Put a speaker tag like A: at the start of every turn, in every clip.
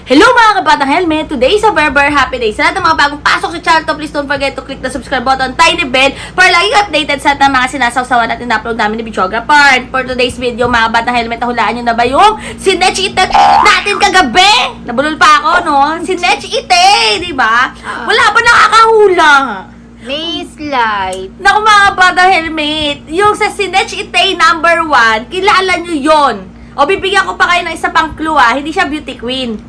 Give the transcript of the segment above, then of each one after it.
A: Hello mga kabatang helmet! Today is a very happy day. Sa lahat ng mga bagong pasok sa channel to, please don't forget to click the subscribe button, tiny bell, para lagi updated sa lahat ng mga sinasawsawan natin na upload namin ni Videographer. And for today's video, mga kabatang helmet, nahulaan nyo na ba yung sinetch ite natin kagabi? Nabulol pa ako, no? Sinetch ite, di ba? Wala pa nakakahula.
B: May slide.
A: Naku mga kabatang helmet, yung sa sinetch ite number 1, kilala nyo yon. O bibigyan ko pa kayo ng isa pang clue, hindi siya beauty queen.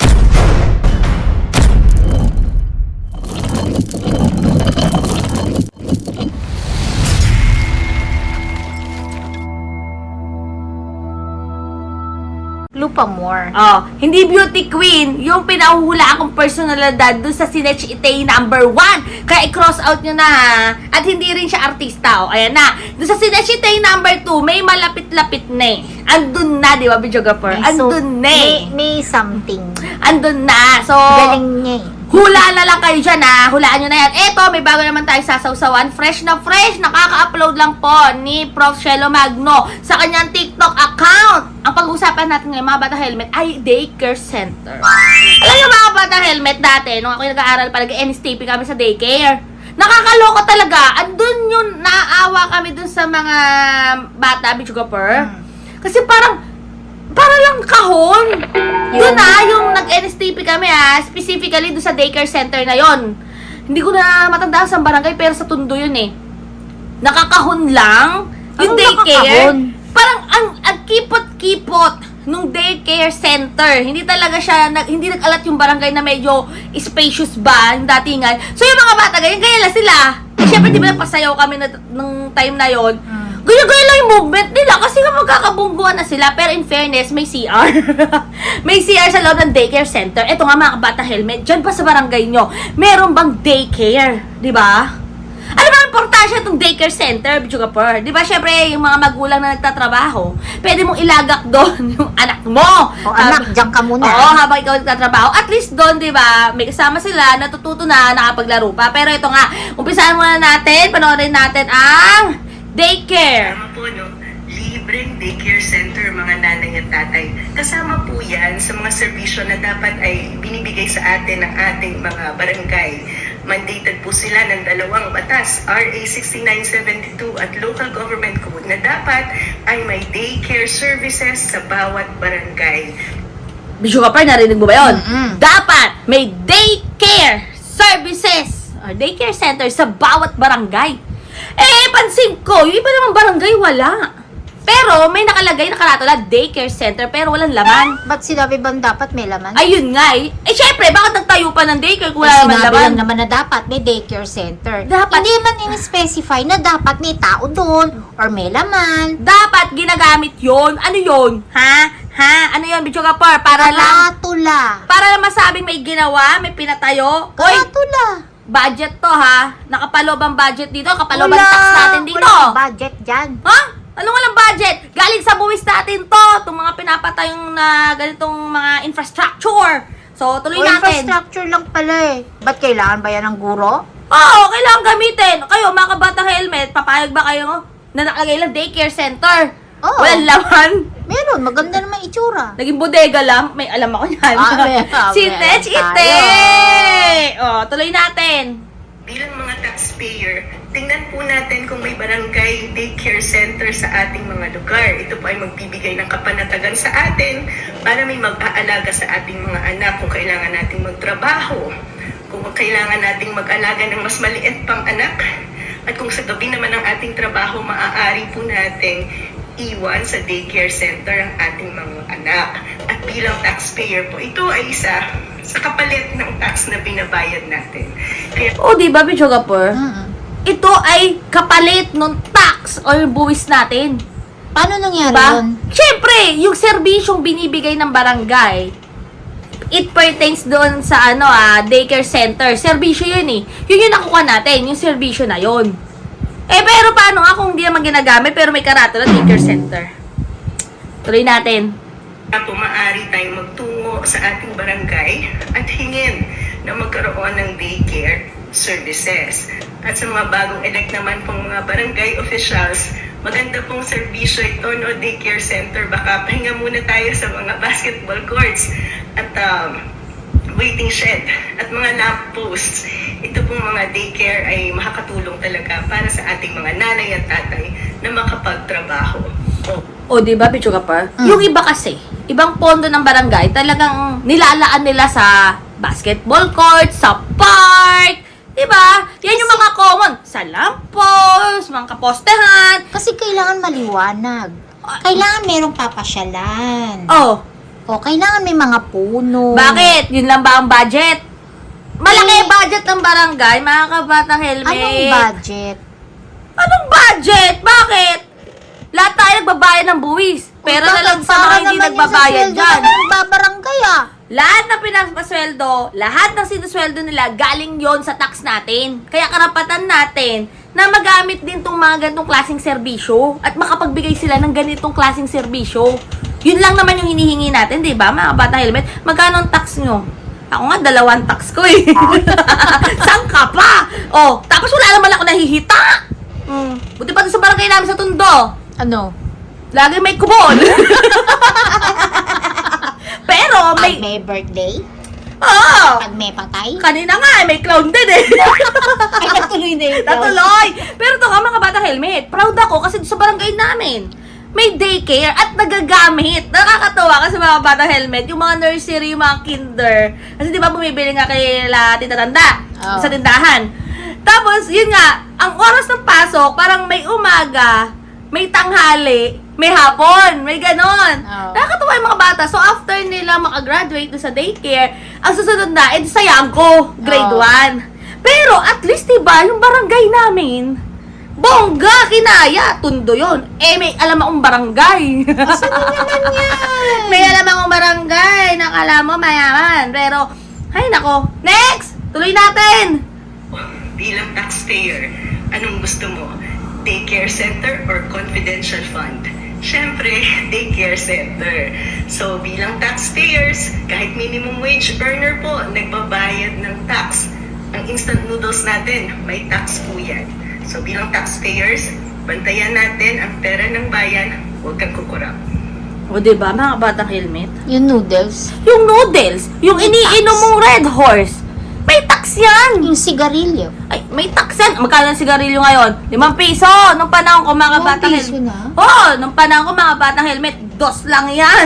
B: Lupa more.
A: Oh, hindi beauty queen, yung pinahuhula akong personalidad dun sa Sinetch Ite number 1. Kaya i-cross out nyo na ha. At hindi rin siya artista. Oh, ayan na. Dun sa Sinetch Ite number 2, may malapit-lapit na eh. Andun na, di ba, Videographer? Andun na eh.
B: May something.
A: Andun na. So,
B: Galing niya eh.
A: hula na lang kayo dyan ha. Hulaan nyo na yan. Eto, may bago naman tayo sasawsawan. Fresh na fresh. Nakaka-upload lang po ni Prof. Shelo Magno sa kanyang TikTok account. Ang pag-uusapan natin ngayon, mga bata helmet, ay daycare center. Alam nyo mga bata helmet dati, nung ako nag-aaral pa, nag-NSTP kami sa daycare. Nakakaloka talaga. Andun yun, naaawa kami dun sa mga bata, Videographer. Kasi parang lang kahon. Yun yung nag-NSTP kami specifically doon sa daycare center na yon. Hindi ko na matandaan sa barangay pero sa Tondo yun eh. Nakakahon lang yung daycare. Parang ang kipot-kipot nung daycare center. Hindi talaga siya, hindi nag-alat yung barangay na medyo spacious ba, yung datingan. So yung mga bata, ganyan lang sila. Siyempre di ba napasayaw kami nung time na yon. Gaya-gaya lang yung movement nila kasi nga magkakabungguan na sila. Pero in fairness, may CR. May CR sa loob ng daycare center. Ito nga mga kabata helmet, dyan pa sa barangay nyo, meron bang daycare? Diba? Ano ba ang importansya itong daycare center, Videographer? Diba, syempre, yung mga magulang na nagtatrabaho, pwede mong ilagak doon yung anak mo.
B: O anak, dyan ka muna.
A: Oo, habang ikaw nagtatrabaho. At least doon, diba, may kasama sila, natututo na, nakapaglaro pa. Pero ito nga, umpisahan muna natin, panoorin natin ang daycare.
C: Kasama po, no? Libreng daycare center, mga nanay at tatay. Kasama po yan sa mga serbisyo na dapat ay binibigay sa atin ng ating mga barangay. Mandated po sila ng dalawang batas, RA 6972 at Local Government Code, na dapat ay may daycare services sa bawat barangay.
A: Videographer, narinig mo ba yun? Dapat may daycare services or daycare center sa bawat barangay. Pansin ko, yung iba namang barangay wala. Pero may nakalagay, nakaratula, daycare center, pero walang laman.
B: Ba't sinabi bang dapat may laman?
A: Ayun nga syempre, bakit nagtayo pa ng daycare kung wala naman
B: Sinabi
A: laman?
B: lang naman na dapat may daycare center.
A: Dapat.
B: Hindi man in-specify na dapat may tao doon or may laman.
A: Dapat ginagamit yon. Ano yon? Ha? Ano yon, Videographer? Para lang masabing may ginawa, may pinatayo. Oy,
B: Karatula.
A: budget to ha. Nakapalob ang budget dito, kapalob ang
B: Wala.
A: tax natin dito.
B: Walang budget dyan.
A: Ha? Ano nga lang budget? Galing sa buwis natin to. Itong mga pinapatayong na ganitong mga infrastructure. So, tuloy natin.
B: Infrastructure lang pala eh. Ba't kailangan ba yan ng guro?
A: Oo, kailangan gamitin. Kayo, mga kabatang helmet, papayag ba kayo na nakalagay lang daycare center?
B: Oo.
A: Walang laman.
B: Meron, maganda naman itsura.
A: Naging bodega lang. May alam ako yan. Sinetch Ite! Tuloy natin.
C: Bilang mga taxpayer, tingnan po natin kung may barangay daycare center sa ating mga lugar. Ito po ay magbibigay ng kapanatagan sa atin para may mag-aalaga sa ating mga anak kung kailangan nating magtrabaho, kung kailangan nating mag-alaga ng mas maliit pang anak, at kung sa gabi naman ng ating trabaho, maaari po nating iwan sa daycare center ang ating mga anak. At bilang taxpayer po, ito ay isa sa kapalit ng tax na binabayad natin. Kaya
A: Di ba, Videographer? Ito ay kapalit ng tax or buwis natin.
B: Paano nangyari
A: Diba?
B: yun?
A: Siyempre, yung serbisyong binibigay ng barangay, it pertains doon sa daycare center. Serbisyo yun eh. Yun yung nakuha natin, yung serbisyo na yun. Pero paano nga kung hindi naman ginagamit pero may karatula daycare center? Tuloy natin.
C: po maaari tayong magtungo sa ating barangay at hingin na magkaroon ng daycare services. At sa mga bagong elect naman pong mga barangay officials, maganda pong serbisyo ito, no, daycare center. Baka pahinga muna tayo sa mga basketball courts at waiting shed at mga lampposts. Ito pong mga daycare ay makakatulong talaga para sa ating mga nanay at tatay na makapagtrabaho.
A: O, di ba, Pichu Kapar? Yung iba kasi, ibang pondo ng barangay, talagang nilalaan nila sa basketball court, sa park, di ba? Yan yung mga common. Sa lamppost, mga kapostehan.
B: Kasi kailangan maliwanag. Kailangan merong papasyalan.
A: Oh,
B: O, kailangan may mga puno.
A: bakit? Yun lang ba ang budget? Malaki budget ng barangay, mga kabatang helmet.
B: Anong budget?
A: Anong budget? Bakit? Lahat tayo nagbabayad ng buwis. Pero na lang sa mga hindi nagbabayad dyan.
B: Babarangay
A: Lahat ng pinapasweldo, lahat ng sinusweldo nila, galing yon sa tax natin. Kaya karapatan natin na magamit din tong mga ganitong klaseng serbisyo at makapagbigay sila ng ganitong klaseng serbisyo. Yun lang naman yung hinihingi natin, di ba, mga bata helmet? Magkano ang tax nyo? Ako nga, 2 tax ko eh. Saan ka pa? Oh, tapos wala naman ako nahihita. Buti pa doon sa barangay namin sa Tondo.
B: Ano?
A: Lagi may kubol. Pero
B: Pag
A: may...
B: may birthday?
A: Oo!
B: Pag may patay?
A: Kanina nga, may clown din eh.
B: Ay, natuloy na yun.
A: Natuloy! Pero ito nga mga bata helmet, proud ako kasi sa barangay namin, may daycare at nagagamit. Nakakatawa kasi mga bata helmet, yung mga nursery, yung mga kinder. Kasi di ba bumibili nga kay Tita Tanda
B: Oh.
A: sa tindahan. Tapos, yun nga, ang oras ng pasok, parang may umaga, may tanghali, may hapon, may ganon.
B: Oh.
A: Nakakatawa yung mga bata. So, after nila makagraduate doon sa daycare, ang susunod na, sa Yangko, grade
B: Oh.
A: 1. Pero, at least, diba, yung barangay namin, bongga, kinaya, Tondo yun. Eh, may alam akong barangay.
B: Saan naman yan?
A: May alam akong barangay, nakala mo mayaman. Pero, ay nako, next! Tuloy natin!
C: Bilang taxpayer, anong gusto mo? Daycare center or confidential fund? Siyempre, daycare center. So, bilang taxpayers, kahit minimum wage earner po, nagbabayad ng tax. Ang instant noodles natin, may tax po yan. So, bilang taxpayers, bantayan natin ang pera ng bayan, huwag kang kukurap.
A: O, diba, mga batang helmet?
B: Yung noodles.
A: Yung noodles, yung iniinom mong Red Horse, may tax yan!
B: Yung sigarilyo.
A: Ay, may tax yan. Magkano ang sigarilyo ngayon? 5 piso. Nung panahon ko, mga
B: 5
A: batang
B: piso
A: helmet.
B: na?
A: Oo, nung panahon ko, mga batang helmet, 2 lang yan.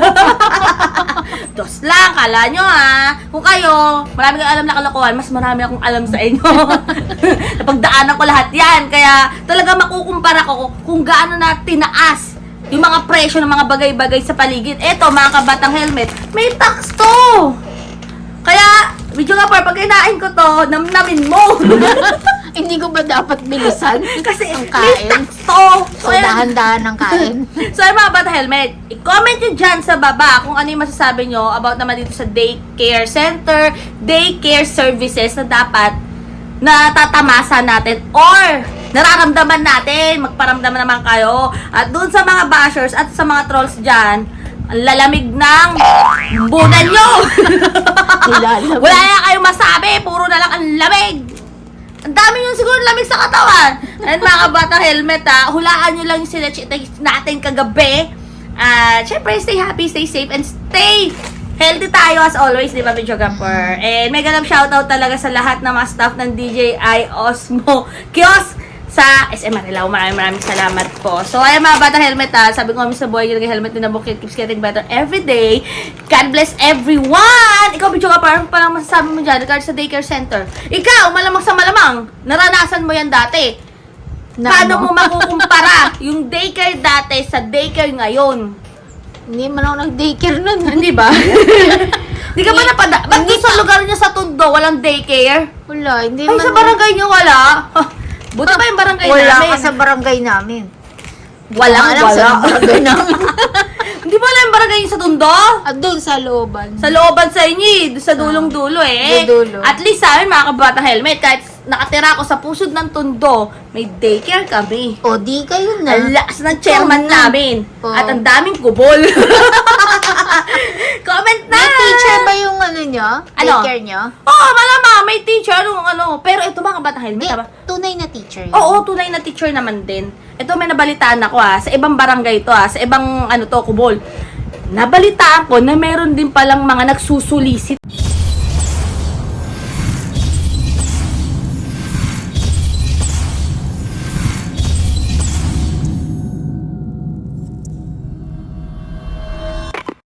A: 2 lang, kala nyo ha. Kung kayo, marami kang alam na kalokohan, mas marami akong alam sa inyo. Napagdaanan ko lahat yan. Kaya talaga makukumpara ko kung gaano na tinaas yung mga presyo ng mga bagay-bagay sa paligid. Eto, mga kabatang helmet, may tax to. Kaya, video nga par, pag kinain ko to, namnamin mo.
B: Hindi ko ba dapat bilisan?
A: Kasi
B: ang
A: may
B: kain?
A: tax to.
B: So, dahan-dahan ng kain.
A: So, yung mga bata helmet, i-comment nyo dyan sa baba kung ano yung masasabi nyo about naman dito sa daycare center, daycare services na dapat natatamasa natin or nararamdaman natin. Magparamdaman naman kayo. At dun sa mga bashers at sa mga trolls dyan, ang lalamig ng bunan nyo.
B: Nilalamig.
A: Wala na kayong masabi. Puro na lang ang lamig. Ang dami yung siguro lamig sa katawan. And mga kabata helmet hulaan nyo lang yung sinachita natin kagabi. Syempre, stay happy, stay safe, and stay healthy tayo as always, di ba, Video Gapper? And may ganap shoutout talaga sa lahat ng mga staff ng DJI Osmo Kiosk sa SM Manila. Maraming salamat po. So, ayan mga bata helmet sabi ko kami sa buhay, yung helmet din na bukit keeps getting better every day. God bless everyone! Ikaw, Video Gapper, parang masasabi mo dyan regard sa daycare center. Ikaw, malamang sa malamang, naranasan mo yan dati. Paano mo makukumpara yung daycare dati sa daycare ngayon?
B: Hindi man ako nag-daycare nun.
A: Hindi ba? Hindi ka ba napada? Ba't doon sa lugar niyo sa Tondo, walang daycare?
B: Wala, hindi
A: Ay,
B: man.
A: sa barangay niyo wala? Buti ba yung barangay
B: Wala
A: namin?
B: ka sa barangay namin.
A: Walang
B: Alam sa barangay namin.
A: Hindi ba alam yung barangay niyo sa Tondo?
B: At doon sa looban.
A: Sa looban sa inyo doon sa dulong-dulo eh.
B: dulo.
A: At least sa amin, mga kabata helmet, kahit nakatira ako sa pusod ng Tondo, may daycare kami.
B: O, di kayo na.
A: Ang lakas ng chairman
B: Oo na.
A: namin.
B: Oo.
A: At ang daming kubol. Comment na!
B: May teacher ba yung ano nyo?
A: Ano?
B: Daycare nyo?
A: Oo, malamang. May teacher. Pero ito mga kabata helmet,
B: Di,
A: ba?
B: tunay na teacher yun.
A: Oo, tunay na teacher naman din. Ito may nabalitaan ako sa ibang barangay to sa ibang kubol. nabalitaan ko na meron din palang mga nagsusulisit